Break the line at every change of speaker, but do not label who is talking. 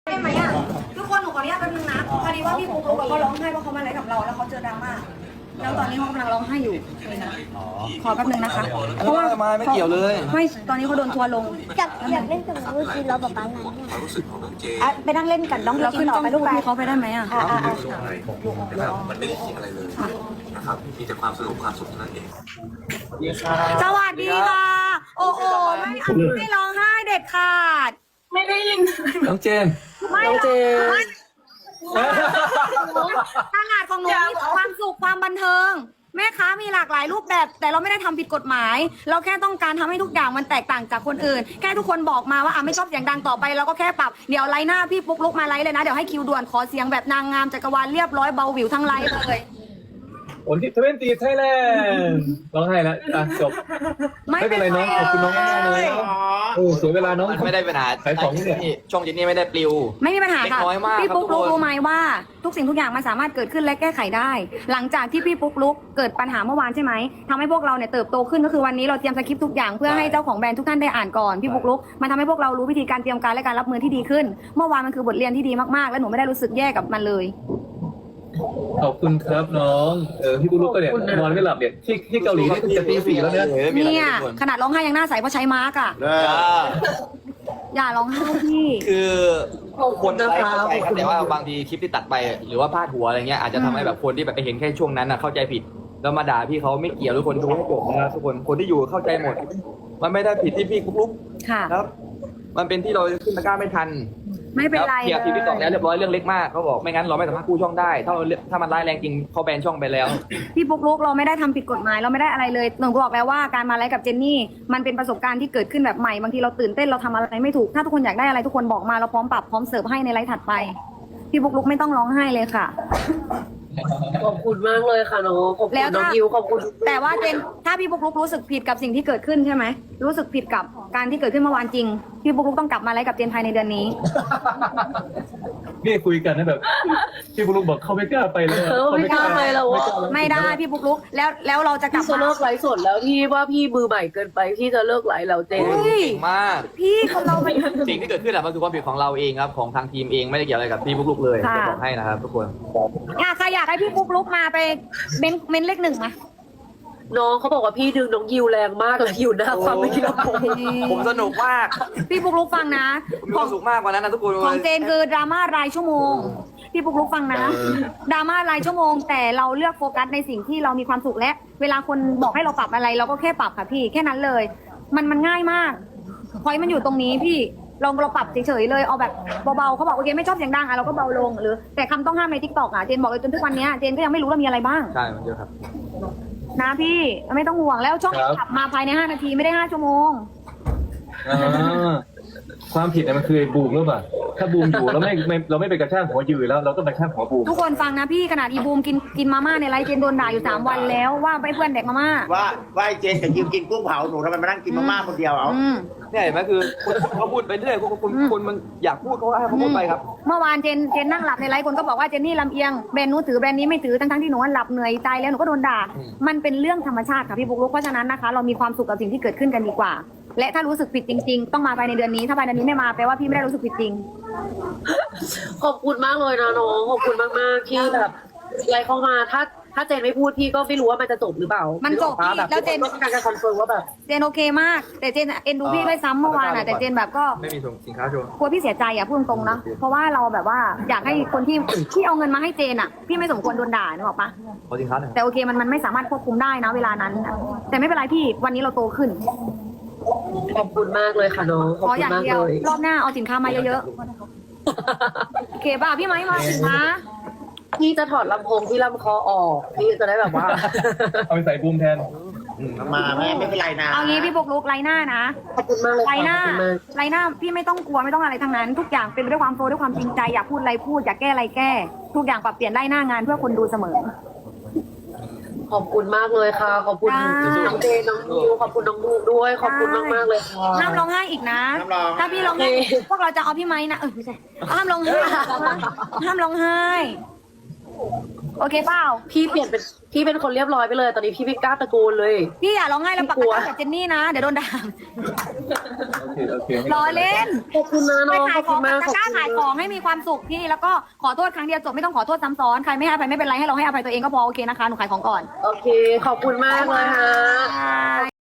ได้ไหมอ่ะทุกคนหนูขออนุญาตแป๊บนึงนะพอดีว่าพี่ปุ๊กลุ๊กเขาร้องไห้เพราะเขามาไลฟ์กับเราแล้วเขาเจอดราม่าแล้วตอนนี้เขากำลังร้องไห้อยู่ขอแป๊บนึงนะคะเพราะว่า
ไม่เกี่ยวเลย
ไม่ตอนนี้เขาโดนทัวร์ลง
อยากเล่นกับน้องลูกจีนเราแบบนั้น
ไปนั่งเล่นกันน้องเราขึ้นต้องลูกพี่เขาไปได้ไหมอ่ะ
มันไม่ได้คิดอะไรเลยนะครับมีแต่ความสนุกความสุขเท่านั้นเอง
สวัสดีค่ะโอ้โหไม่ร้องไห้เด็ดขาด
ไม่ได้ยิน
น้องเจน
ไม่เจนตลาดของหนูมีความสุขความบันเทิงแม่ค้ามีหลากหลายรูปแบบแต่เราไม่ได้ทำผิดกฎหมายเราแค่ต้องการทำให้ทุกอย่างมันแตกต่างจากคนอื่นแค่ทุกคนบอกมาว่าไม่ชอบเสียงดังต่อไปเราก็แค่ปรับเดี๋ยวไลน์หน้าพี่ปุ๊กลุกมาไลน์เลยนะเดี๋ยวให้คิวด่วนขอเสียงแบบนางงามจักรวาลเรียบร้อยเบาหวิวทั้งไลน์เลย
วันที่20ไทยแลนด์ร้องไห้แล้วจบไม่เป็นไรน้องขอบคุณน้องมากเลยเสียเวลาน้อง
ไม่ได้ปัญหา
ขายของเนี่ย
ช่องเจนนี่ไม่ได้ปลิว
ไม่มีปัญหาค่ะพี่ปุ๊กลุกรู้ไหมว่าทุกสิ่งทุกอย่างมันสามารถเกิดขึ้นและแก้ไขได้ หลังจากที่พี่ปุ๊กลุกเกิดปัญหาเมื่อวานใช่ไหมทำให้พวกเราเนี่ยเติบโตขึ้นก็คือวันนี้เราเตรียมสคริปต์ทุกอย่างเพื่อให้เจ้าของแบรนด์ทุกท่านได้อ่านก่อนพี่ปุ๊กลุกมันทำให้พวกเรารู้วิธีการเตรียมการและการรับมือที่ดีขึ้นเมื่อวานมันคือบทเรียนที่ดีมากๆและหนูไม่ได้รู้สึกแย่กับมันเลย
ขอบคุณครับน้องพี่ปุ๊กลุกก็เนี่ยนอนไม่หลับเนี่ยที่เกาหลีนี่จะตี 4แล้ว
เนี่ยขนาดร้องไห้ยังหน้าใสเพราะใช้มาร์กอ่ะอย่าร้องไห้พี่
คือคนไลฟ์เข้าใจครับแต่ว่าบางทีคลิปที่ตัดไปหรือว่าพาดหัวอะไรเงี้ยอาจจะทำให้แบบคนที่แบบไปเห็นแค่ช่วงนั้นเข้าใจผิดแล้วมาด่าพี่เขาไม่เกี่ยวทุกคนดูให้จบนะทุกคนที่อยู่เข้าใจหมดมันไม่ได้ผิดที่พี่ปุ๊กลุกครับมันเป็นที่เราขึ้นตะกร้าไม่ทัน
ไม่เป็นไร
เคลียร์ทีวีต่อแล้วเรียบร้อยเรื่องเล็กมากเขาบอกไม่งั้นเราไม่สามารถกู้ช่องได้ถ้ามันร้ายแรงจริงเขาแบนช่องไปแล้ว
พี่ปุ๊กลุกเราไม่ได้ทำผิดกฎหมายเราไม่ได้อะไรเลยหนูบอกแล้วว่าการมาไลฟ์กับเจนนี่มันเป็นประสบการณ์ที่เกิดขึ้นแบบใหม่บางทีเราตื่นเต้นเราทำอะไรไม่ถูกถ้าทุกคนอยากได้อะไรทุกคนบอกมาเราพร้อมปรับพร้อมเสิร์ฟให้ในไลฟ์ถัดไปพี่ปุ๊กลุกไม่ต้องร้องไห้เลยค่ะ
ขอบคุณมากเลยค่ะน้องขอบคุณน้องยิวขอบคุณ
แต่ว่าเจนถ้าพี่ปุ๊กลุกรู้สึกผิดกับสิ่งที่เกิดขึ้นใช่ไหมรู้สึกผิดกับการที่เกิดขึ้นเมื่อวานจริงพี่ปุ๊กลุกต้องกลับมาไลฟ์กับเจนภายในเดือนนี้
นี่คุยกันนะแบบพี่ปุ๊กลุกบอกเขาไม่กล้าไปเลย
ไม่กล้าไปแล้ว
ไม่ได้พี่ปุ๊กลุกแล้วเราจะกลับ
มาเลิกไลฟ์สดแล้วที่ว่าพี่มือใหม่เกินไปที่จะเลิกไลฟ์แล้วเจน
เก่งมาก
พี่คนเรา
สิ่งที่เกิดขึ้นมันคือความผิดของเราเองครับของทางทีมเองไม่ได้เกี่ยวอะไรกับพี่ปุ๊กลุกเลยจะบอกให้นะครับทุกคน
ใครอยากให้พี่ปุ๊กลุกมาไปเมนเลขหนึ่งมา
น้องเขาบอกว่าพี่ดึงน้องยิวแรงมากเลยอยู่หน้าความไม่คิดว่า
ผมสนุกมาก
พี่ปุ๊กลุกฟังนะ
มีความสุขมากกว่านั้นนะทุกคน
ของเจนคือดราม่ารายชั่วโมงพี่ปุ๊กลุกฟังนะดราม่ารายชั่วโมงแต่เราเลือกโฟกัสในสิ่งที่เรามีความสุขและเวลาคนบอกให้เราปรับอะไรเราก็แค่ปรับค่ะพี่แค่นั้นเลยมันง่ายมากพอยมันอยู่ตรงนี้พี่เราปรับเฉยๆเลยเอาแบบเบาๆเขาบอกโอเคไม่ชอบเสียงดังเราก็เบาลงหรือแต่คำต้องห้ามใน TikTok เจนบอกเลยจนทุกวันนี้เจนก็ยังไม่รู้ว่ามีอะไรบ้าง
ใช่มันเยอะครับ
นะพี่ไม่ต้องห่วงแล้วช่องขับมาภายใน5 นาทีไม่ได้5 ชั่วโมง
ความผิดมันคือบูมหรือเปล่าถ้าบูมอยู่เราไม่ไปกระชากหัวยืนแล้วเราก็ไปกระชากหัวบูม
ทุกคนฟังนะพี่ขนาดอีบูมกินมาม่าในไลฟ์เจนโดนด่าอยู่3 วันแล้วว่าไปเพื่อนเด็กมาม่า
ว่าเจนกับยิวกินกุ้งเผาหนูทำไมมานั่งกินมาม่าคนเดียว
เนี่ยเห็นไหมคือเขาพูดไปเรื่อยคนมันอยากพูดเขาให้เขาพูดไปครับ
เมื่อวานเจนนั่งหลับในไลฟ์คนก็บอกว่าเจนนี่ลำเอียงแบรนด์นู้นถือแบรนด์นี้ไม่ถือทั้งที่หนูหลับเหนื่อยตายแล้วหนูก็โดนด่ามันเป็นเรื่องธรรมชาติค่ะพี่ปุ๊กลุกเพราะฉะนั้นนะคะเรามีความสุขกับสิ่งที่เกิดขึ้นกันดีกว่าและถ้ารู้สึกผิดจริงๆต้องมาภายในเดือนนี้ถ้าภายในเดือนนี้ไม่มาแปลว่าพี่ไม่ได้รู้สึกผิดจริง
ขอบคุณมากเลยนะน้องขอบคุณมากๆที่แบบไลน์เข้ามาถ้าเจนไม่พูดพี่ก็ไม่รู้ว่ามันจะจบหรือเปล่า
มันจบพี่แล้วเจน
ต้องการจะคอนเฟิร์มว่าแบบ
เจนโอเคมากแต่เจนเอ็นดูพี่ด้วยซ้ำเมื่อวานแต่เจนแบบก็
ไม่มีส่งสินค้าโชว์
กลัวพี่เสียใจพูดตรงๆนะเพราะว่าเราแบบว่าอยากให้คนที่เอาเงินมาให้เจนพี่ไม่สมควรโดนด่านึกออกปะ
ขอสินค้าหน่อย
แต่โอเคมันไม่สามารถควบคุมได้นะเวลานั้นแต่ไม่เป็นไรพี่วันนี้เราโตขึ้น
ขอบคุณมากเลยค่ะน้อง
ขออย่างเดียวรอบหน้าเอาสินค้ามาเยอะๆโอเคป่ะพี่ไม้มาสินค้า
พี่จะถอดลำโพงที่ลำคอออกพี่จะได้แบบว่า
เอาไปใส่บูมแทน
มาแม่ไม่เป็นไรนะ
เอางี้พี่ปุ๊กลุกไลน์หน้านะ
ขอบคุณมากเลย
ไลน์หน้าพี่ไม่ต้องกลัวไม่ต้องอะไรทั้งนั้นทุกอย่างเป็นด้วยความโฟร์ด้วยความจริงใจอยากพูดอะไรพูดอยากแก้อะไรแก้ทุกอย่างปรับเปลี่ยนได้หน้างานเพื่อคนดูเสมอ
ขอบคุณมากเลยค่ะขอบคุณน้องเจน้องยิวขอบคุณน้องบูด้วยขอบคุณมากๆเลยค่ะ
ห้ามร้องไห้อีกนะถ้าพี่ร้องไห้พวกเราจะเอาพี่ไม้นะไม่ใช่ห้ามร้องไห้ห้ามร้องไห้โอเคเปล่า
พี่เป็นคนเรียบร้อยไปเลย ตอนนี้พี่ไม่กล้าตะโกนเลย
พี่อย่าร้องไห้แล้วปัก
พี่กลัว
กระกับเจนนี่นะเดี๋ยวโดนด่า
โอเค
ล้อเล่น
ขอบคุณนะ
ไป
น้อง
ขา
ข
ย
อบ
ข
คุ
อง
ณมาก
ตะกร้าขายของให้มีความสุขพี่แล้วก็ขอโทษครั้งเดียวจบไม่ต้องขอโทษซ้ำซ้อนใครไม่ให้อภัยไม่เป็นไรให้เราให้อภัยตัวเองก็พอโอเคนะคะหนูขายของก่อน
โอเค ขอบคุณมากเลยฮะ